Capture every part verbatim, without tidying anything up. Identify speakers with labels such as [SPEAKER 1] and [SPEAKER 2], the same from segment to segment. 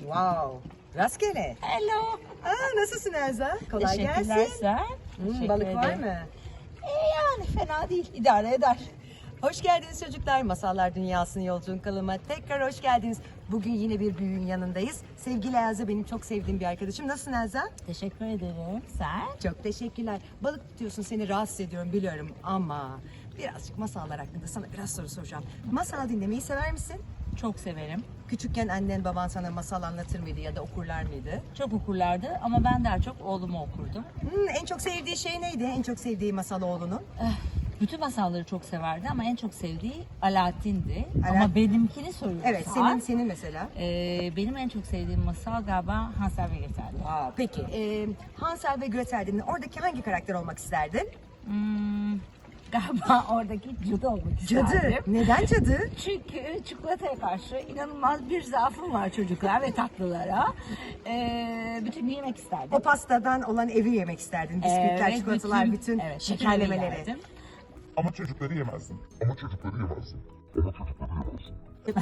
[SPEAKER 1] Wow. Rastgele.
[SPEAKER 2] Hello.
[SPEAKER 1] Aa, nasılsın Elza? Kolay
[SPEAKER 2] Teşekkürler
[SPEAKER 1] gelsin.
[SPEAKER 2] sen.
[SPEAKER 1] Hmm,
[SPEAKER 2] Teşekkür
[SPEAKER 1] balık var
[SPEAKER 2] ederim.
[SPEAKER 1] mı?
[SPEAKER 2] E yani fena değil. İdare eder.
[SPEAKER 1] Hoş geldiniz çocuklar. Masallar Dünyası'nın yolculuğun kanalıma tekrar hoş geldiniz. Bugün yine bir büyüğün yanındayız. Sevgili Elza benim çok sevdiğim bir arkadaşım. Nasılsın Elza?
[SPEAKER 2] Teşekkür ederim. Sen?
[SPEAKER 1] Çok teşekkürler. Balık tutuyorsun, seni rahatsız ediyorum biliyorum ama birazcık masallar hakkında sana biraz soru soracağım. Masal dinlemeyi sever misin?
[SPEAKER 2] Çok severim.
[SPEAKER 1] Küçükken annen baban sana masal anlatır mıydı ya da okurlar mıydı?
[SPEAKER 2] Çok okurlardı ama ben daha çok oğlumu okurdum.
[SPEAKER 1] Hmm, en çok sevdiği şey neydi? En çok sevdiği masal oğlunun?
[SPEAKER 2] Eh, Bütün masalları çok severdi ama en çok sevdiği Alaaddin'di.
[SPEAKER 1] Alaaddin.
[SPEAKER 2] Ama benimkini soruyorsan.
[SPEAKER 1] Evet, senin senin mesela.
[SPEAKER 2] eh, benim en çok sevdiğim masal galiba Hansel ve Gretel'di.
[SPEAKER 1] Aa, peki, e, Hansel ve Gretel'den oradaki hangi karakter olmak isterdin?
[SPEAKER 2] Hmm, galiba oradaki cadı olmak isterdim.
[SPEAKER 1] Cadı. Neden cadı?
[SPEAKER 2] Çünkü çikolataya karşı inanılmaz bir zaafım var çocuklar ve tatlılara. Ee, bütün gün yemek isterdim.
[SPEAKER 1] O pastadan olan evi yemek isterdin. Bisküvitler,
[SPEAKER 2] Evet,
[SPEAKER 1] çikolatalar, bütün,
[SPEAKER 2] evet, bütün
[SPEAKER 1] şekerlemeleri.
[SPEAKER 2] evi yerdim.
[SPEAKER 3] Ama çocukları yemezdim. Ama çocukları yemezdim. Ama çocukları yemezdim.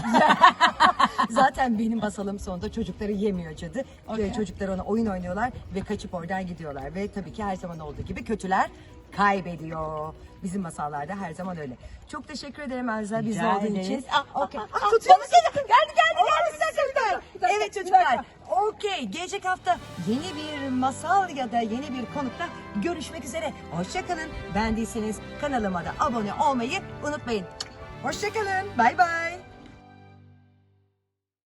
[SPEAKER 1] Zaten benim masalım sonunda çocukları yemiyor cadı.
[SPEAKER 2] Okey.
[SPEAKER 1] Ve çocuklar ona oyun oynuyorlar ve kaçıp oradan gidiyorlar. Ve tabii ki her zaman olduğu gibi kötüler kaybediyor. Bizim masallarda her zaman öyle. Çok teşekkür ederim Elza bizle
[SPEAKER 2] Rica
[SPEAKER 1] olduğun
[SPEAKER 2] ederiz.
[SPEAKER 1] için.
[SPEAKER 2] Ah,
[SPEAKER 1] Okey.
[SPEAKER 2] ah,
[SPEAKER 1] Ah,
[SPEAKER 2] ah,
[SPEAKER 1] tutuyor
[SPEAKER 2] balık
[SPEAKER 1] musun?
[SPEAKER 2] geliyor. Geldi, geldi,
[SPEAKER 1] Oo,
[SPEAKER 2] geldi.
[SPEAKER 1] bir dakika, bir dakika.
[SPEAKER 2] Bir dakika,
[SPEAKER 1] Evet
[SPEAKER 2] bir
[SPEAKER 1] çocuklar.
[SPEAKER 2] dakika.
[SPEAKER 1] Okey. Gelecek hafta yeni bir masal ya da yeni bir konukta görüşmek üzere. Hoşçakalın. Beğendiyseniz kanalıma da abone olmayı unutmayın. Hoşçakalın. Bay bay.